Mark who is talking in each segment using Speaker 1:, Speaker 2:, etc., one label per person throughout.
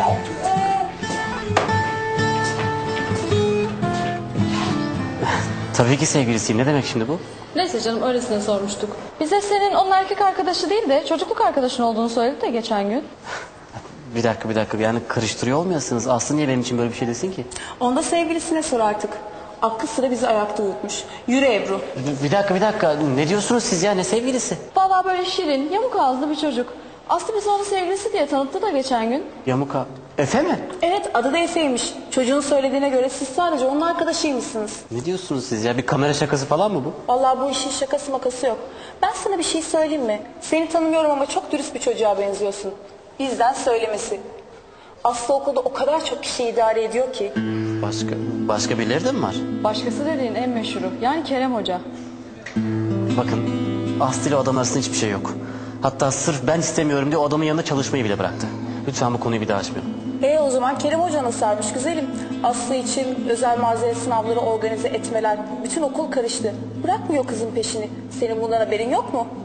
Speaker 1: Tabii ki sevgilisiyim. Ne demek şimdi bu?
Speaker 2: Neyse canım, öylesine sormuştuk. Bize senin onun erkek arkadaşı değil de çocukluk arkadaşın olduğunu söyledi de geçen gün.
Speaker 1: Bir dakika. Yani karıştırıyor olmayasınız. Aslı niye benim için böyle bir şey desin ki?
Speaker 3: Onda sevgilisine sor artık. Aklı sıra bizi ayakta uyutmuş. Yürü Ebru.
Speaker 1: Bir dakika. Ne diyorsunuz siz ya? Ne sevgilisi?
Speaker 2: Vallahi böyle şirin, yamuk ağızlı bir çocuk. Aslı bizi onun sevgilisi diye tanıttı da geçen gün.
Speaker 1: Yamuka. Efe mi?
Speaker 3: Evet, adı da Efe'ymiş. Çocuğun söylediğine göre siz sadece onun arkadaşıymışsınız.
Speaker 1: Ne diyorsunuz siz ya? Bir kamera şakası falan mı bu?
Speaker 3: Vallahi bu işin şakası makası yok. Ben sana bir şey söyleyeyim mi? Seni tanımıyorum ama çok dürüst bir çocuğa benziyorsun. Bizden söylemesi. Aslı okulda o kadar çok kişi idare ediyor ki.
Speaker 1: Başka birileri de mi var?
Speaker 2: Başkası dediğin en meşhuru. Yani Kerem Hoca.
Speaker 1: Bakın, Aslı ile o adam arasında hiçbir şey yok. Hatta sırf ben istemiyorum diye o adamın yanında çalışmayı bile bıraktı. Lütfen bu konuyu bir daha açmayalım.
Speaker 3: O zaman Kerem Hoca nasıl sarmış güzelim? Aslı için özel mazeret sınavları organize etmeler. Bütün okul karıştı. Bırakmıyor kızın peşini. Senin bundan haberin yok mu?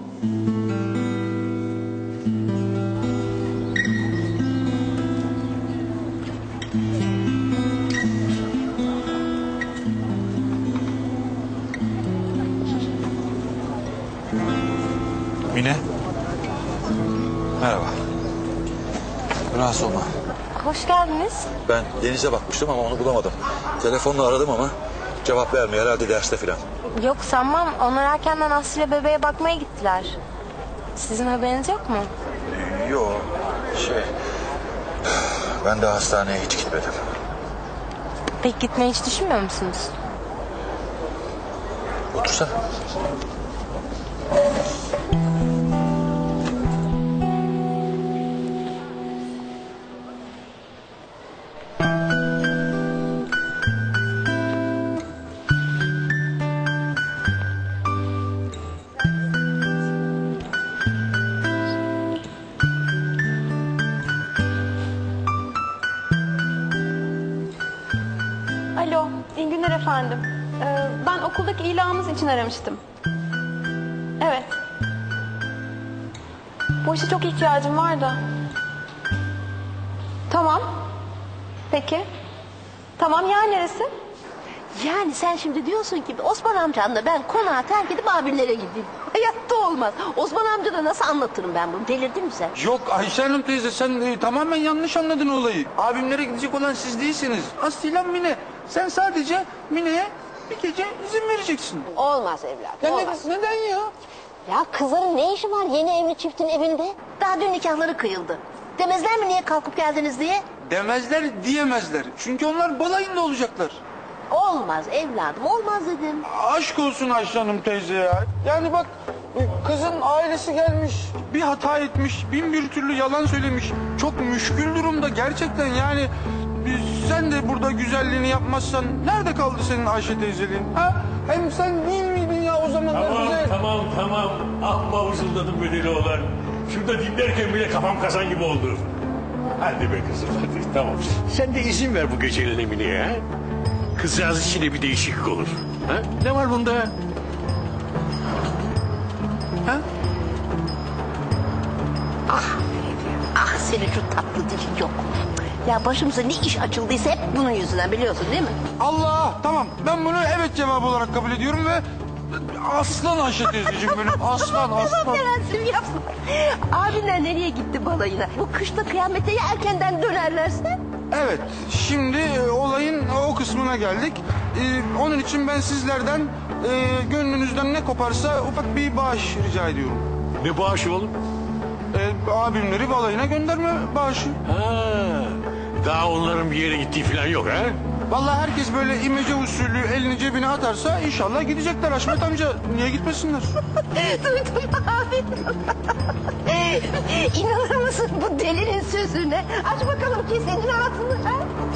Speaker 4: Mine. Merhaba. Rahatsız olma.
Speaker 5: Hoş geldiniz.
Speaker 4: Ben Deniz'e bakmıştım ama onu bulamadım. Telefonla aradım ama cevap vermiyor, herhalde derste filan.
Speaker 5: Yok sanmam. Onlar erkenden Aslı ile bebeğe bakmaya gittiler. Sizin haberiniz yok mu?
Speaker 4: Yok. Ben de hastaneye hiç gitmedim.
Speaker 5: Peki gitmeyi hiç düşünmüyor musunuz?
Speaker 4: Otursana.
Speaker 6: Alo, iyi günler efendim. Ben okuldaki ilanınız için aramıştım. Evet. Bu işe çok ihtiyacım var da. Tamam. Peki. Tamam, yer neresi?
Speaker 7: Yani sen şimdi diyorsun ki Osman amcanla ben konağı terk edip abimlere gideyim. Hayatta olmaz. Osman amca da nasıl anlatırım ben bunu? Delirdin mi sen?
Speaker 8: Yok Ayşe Hanım teyze, sen tamamen yanlış anladın olayı. Abimlere gidecek olan siz değilsiniz. Aslı'yla Mine. Sen sadece Mine'ye bir gece izin vereceksin.
Speaker 7: Olmaz evladım,
Speaker 8: Ya
Speaker 7: olmaz.
Speaker 8: neden ya?
Speaker 7: Ya kızların ne işi var yeni evli çiftin evinde? Daha dün nikahları kıyıldı. Demezler mi niye kalkıp geldiniz diye?
Speaker 8: Demezler, diyemezler. Çünkü onlar balayında olacaklar.
Speaker 7: Olmaz evladım, olmaz dedim.
Speaker 8: Aşk olsun Ayşe Hanım teyze ya. Yani bak, kızın ailesi gelmiş, bir hata etmiş, bin bir türlü yalan söylemiş. Çok müşkül durumda gerçekten yani. Sen de burada güzelliğini yapmazsan nerede kaldı senin Ayşe teyzeliğin? Ha? Hem sen değil miydin ya o zamanlar bize?
Speaker 9: Tamam. Amma vızıldadım bedeli olan. Şurada dinlerken bile kafam kazan gibi oldu. Hadi be kızım hadi tamam. Sen de izin ver bu gecenin Emine'ye ha. Kızcağız için de bir değişiklik olur. Ha? Ne var bunda? Ha?
Speaker 7: Ah senin şu tatlı dilin yok. Ya başımıza ne iş açıldıysa hep bunun yüzünden biliyorsun değil mi?
Speaker 8: Allah, tamam, ben bunu evet cevabı olarak kabul ediyorum ve aslan Ayşe teyzeciğim benim, aslan.
Speaker 7: Prensim yapma. Abinler nereye gitti balayına? Bu kışta kıyamete ya erkenden dönerlerse?
Speaker 8: Evet, şimdi olayın o kısmına geldik. Onun için ben sizlerden gönlünüzden ne koparsa ufak bir bağış rica ediyorum.
Speaker 9: Ne bağışı oğlum?
Speaker 8: Abimleri balayına gönderme bağışı.
Speaker 9: Ha, daha onların bir yere gittiği falan yok ha?
Speaker 8: Vallahi herkes böyle imece usulü elini cebine atarsa inşallah gidecekler Haşmet amca. Niye gitmesinler?
Speaker 7: Duydum abi. İnanır mısın bu delinin sözüne? Aç bakalım kesenin ağzını.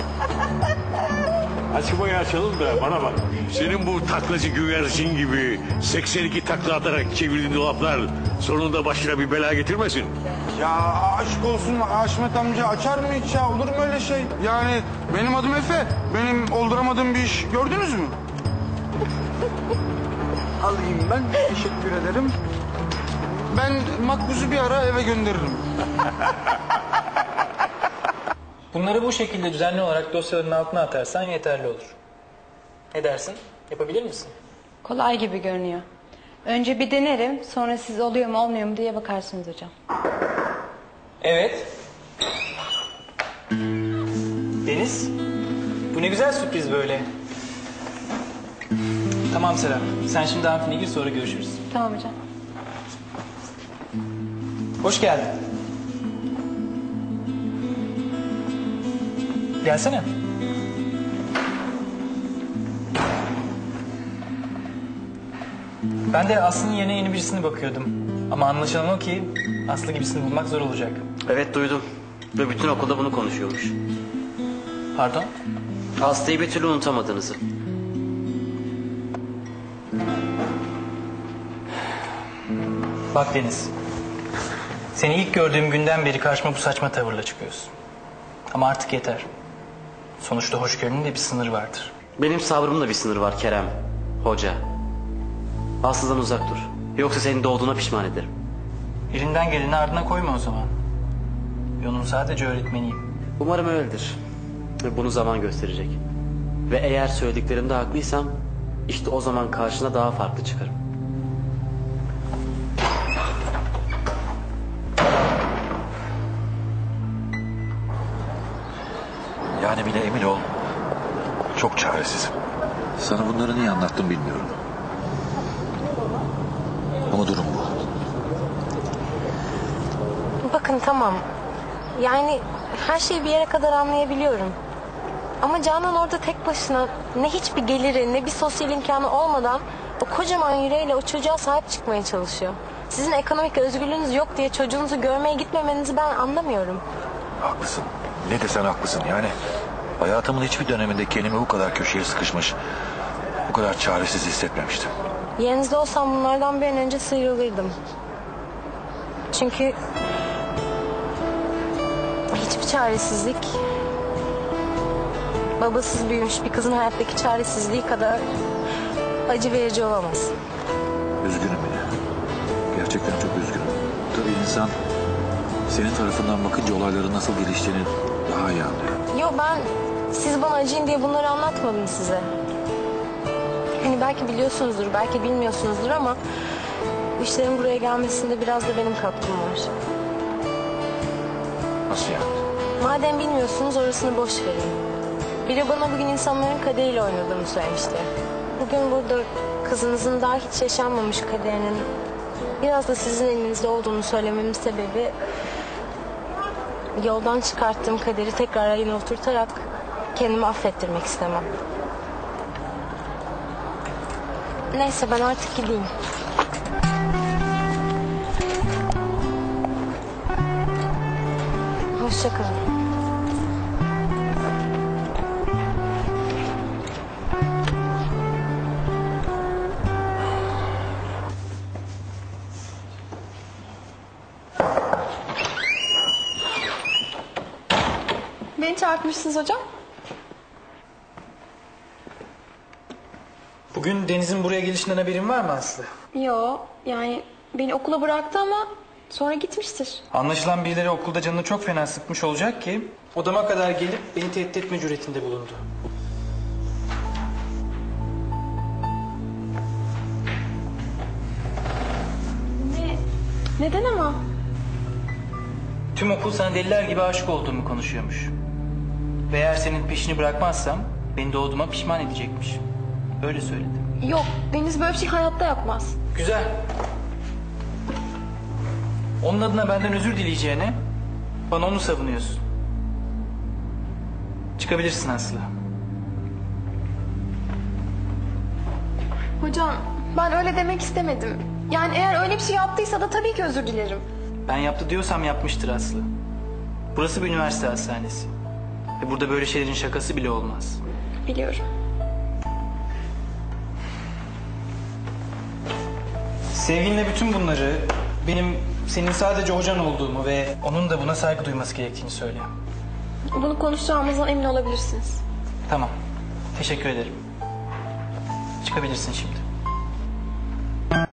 Speaker 9: Açmayı açalım da bana bak. Senin bu taklacı güvercin gibi 82 takla atarak çevirdiğin dolaplar sonunda başına bir bela getirmesin.
Speaker 8: Ya aşk olsun Haşmet amca, açar mı hiç ya? Olur mu öyle şey? Yani benim adım Efe. Benim olduramadığım bir iş gördünüz mü? Alayım ben. Teşekkür ederim. Ben Makbuz'u bir ara eve gönderirim.
Speaker 10: Bunları bu şekilde düzenli olarak dosyaların altına atarsan yeterli olur. Ne dersin? Yapabilir misin?
Speaker 2: Kolay gibi görünüyor. Önce bir denerim, sonra siz oluyor mu olmuyor mu diye bakarsınız hocam.
Speaker 10: Evet. Deniz, bu ne güzel sürpriz böyle. Tamam Serap, sen şimdi amfine gir, sonra görüşürüz.
Speaker 2: Tamam hocam.
Speaker 10: Hoş geldin. Gelsene. Ben de Aslı'nın yerine yeni birisini bakıyordum. Ama anlaşılan o ki Aslı gibisini bulmak zor olacak.
Speaker 1: Evet duydum. Ve bütün okulda bunu konuşuyormuş.
Speaker 10: Pardon?
Speaker 1: Aslı'yı bir türlü unutamadığınızı.
Speaker 10: Bak Deniz. Seni ilk gördüğüm günden beri karşıma bu saçma tavırla çıkıyorsun. Ama artık yeter. Sonuçta hoşgörünün de bir sınırı vardır.
Speaker 1: Benim sabrımda bir sınır var Kerem. Hoca. Aslı'dan uzak dur. Yoksa senin doğduğuna pişman ederim.
Speaker 10: Elinden geleni ardına koyma o zaman. Yolun sadece öğretmeniyim.
Speaker 1: Umarım öyledir. Ve bunu zaman gösterecek. Ve eğer söylediklerimde haklıysam işte o zaman karşına daha farklı çıkarım.
Speaker 4: Yani bile emin ol, çok çaresizim. Sana bunları niye anlattım bilmiyorum. Ama durum bu.
Speaker 5: Bakın tamam. Yani her şeyi bir yere kadar anlayabiliyorum. Ama Canan orada tek başına ne hiçbir geliri ne bir sosyal imkanı olmadan o kocaman yüreğiyle o çocuğa sahip çıkmaya çalışıyor. Sizin ekonomik özgürlüğünüz yok diye çocuğunuzu görmeye gitmemenizi ben anlamıyorum.
Speaker 4: Haklısın. Ne desen haklısın. Yani hayatımın hiçbir döneminde kendimi bu kadar köşeye sıkışmış, bu kadar çaresiz hissetmemiştim.
Speaker 5: Yerinizde olsam bunlardan bir an önce sıyrılırdım. Çünkü hiçbir çaresizlik babasız büyümüş bir kızın hayattaki çaresizliği kadar acı verici olamaz.
Speaker 4: Üzgünüm yine. Gerçekten çok üzgünüm. Tabii insan senin tarafından bakınca olayların nasıl geliştiğini daha iyi anlıyor.
Speaker 5: Yo, ben siz bana acıyın diye bunları anlatmadım size. Hani belki biliyorsunuzdur, belki bilmiyorsunuzdur ama bu işlerin buraya gelmesinde biraz da benim katkım var.
Speaker 4: Nasıl yani?
Speaker 5: Madem bilmiyorsunuz orasını boş verin. Biri bana bugün insanların kaderiyle oynadığımı söylemişti. Bugün burada kızınızın daha hiç yaşanmamış kaderinin biraz da sizin elinizde olduğunu söylememin sebebi yoldan çıkarttığım kaderi tekrar rayına oturtarak kendimi affettirmek istemem. Neyse ben artık gideyim. Hoşça kalın.
Speaker 6: Beni çağırtmışsınız hocam.
Speaker 10: Bugün Deniz'in buraya gelişinden haberin var mı Aslı?
Speaker 6: Yo, yani beni okula bıraktı ama sonra gitmiştir.
Speaker 10: Anlaşılan birileri okulda canını çok fena sıkmış olacak ki odama kadar gelip beni tehdit etme cüretinde bulundu.
Speaker 6: Neden ama?
Speaker 10: Tüm okul sana deliler gibi aşık olduğumu konuşuyormuş. Ve eğer senin peşini bırakmazsam beni doğduğuma pişman edecekmiş. Öyle söyledi.
Speaker 6: Yok, Deniz böyle bir şey hayatta yapmaz.
Speaker 10: Güzel. Onun adına benden özür dileyeceğine bana onu savunuyorsun. Çıkabilirsin Aslı.
Speaker 6: Hocam, ben öyle demek istemedim. Yani eğer öyle bir şey yaptıysa da tabii ki özür dilerim.
Speaker 10: Ben yaptı diyorsam yapmıştır Aslı. Burası bir üniversite hastanesi. Ve burada böyle şeylerin şakası bile olmaz.
Speaker 6: Biliyorum.
Speaker 10: Sevginle bütün bunları benim senin sadece hocan olduğumu ve onun da buna saygı duyması gerektiğini söyle.
Speaker 6: Bunu konuşacağımızdan emin olabilirsiniz.
Speaker 10: Tamam. Teşekkür ederim. Çıkabilirsin şimdi.